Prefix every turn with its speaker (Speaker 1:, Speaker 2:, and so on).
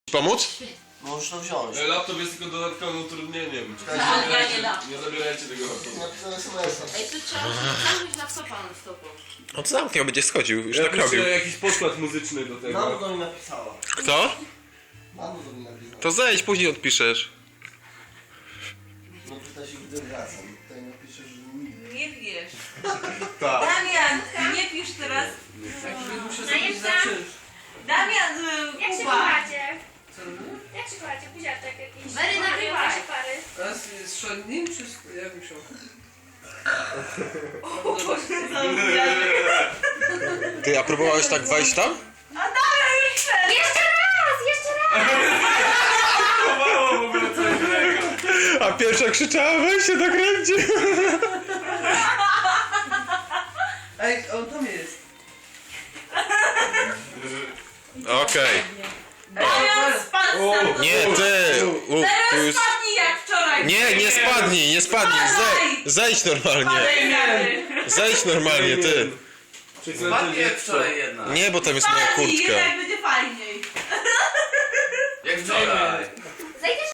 Speaker 1: Pomóc?
Speaker 2: Możesz to wziąć.
Speaker 3: Laptop jest tylko dodatkowym utrudnieniem.
Speaker 4: Ja nie dam.
Speaker 3: Nie zabierajcie tego laptopa.
Speaker 2: Napisane SMS-a.
Speaker 4: Ej, tu trzeba zamknąć laptopa na stopu.
Speaker 1: No to zamknij, on będzie schodził, już
Speaker 3: Ja
Speaker 1: tak robił.
Speaker 3: piszę jakiś podkład muzyczny do
Speaker 2: Mamo
Speaker 3: tego.
Speaker 2: do mnie napisała.
Speaker 1: Kto?
Speaker 2: Mamo do mnie napisała.
Speaker 1: To zejdź, później odpiszesz.
Speaker 2: No pyta się, gdy wracam. Tutaj napiszesz, że nigdy.
Speaker 4: Nie wiesz.
Speaker 3: Tak.
Speaker 4: Damian, nie pisz teraz.
Speaker 3: Muszę
Speaker 5: zrobić za
Speaker 4: Damian,
Speaker 5: Jak się
Speaker 4: Kuba.
Speaker 5: kochacie? Jak się kochacie? Buziaczek jakiś?
Speaker 4: Mary, nagrywaj.
Speaker 5: Wasze pary.
Speaker 6: Teraz jest szednim, czy jak musiał?
Speaker 1: Ty, a próbowałeś tak wejść tam?
Speaker 5: Jeszcze raz! Jeszcze raz!
Speaker 3: Chowało w ogóle co innego.
Speaker 1: A pierwsza krzyczała, weź się dokręci.
Speaker 6: Ej, on tam jest.
Speaker 1: Okej.
Speaker 4: Damian, spadł sam.
Speaker 1: Nie, ty. Tu już...
Speaker 4: Spadnij jak wczoraj.
Speaker 1: Nie spadnij, nie spadnij. Zejdź normalnie. Zejdź normalnie, ty.
Speaker 3: Spadnie
Speaker 2: wczoraj jedna.
Speaker 1: Nie, bo tam jest moja
Speaker 4: Spadnij,
Speaker 1: kurtka.
Speaker 4: jednak będzie fajnie.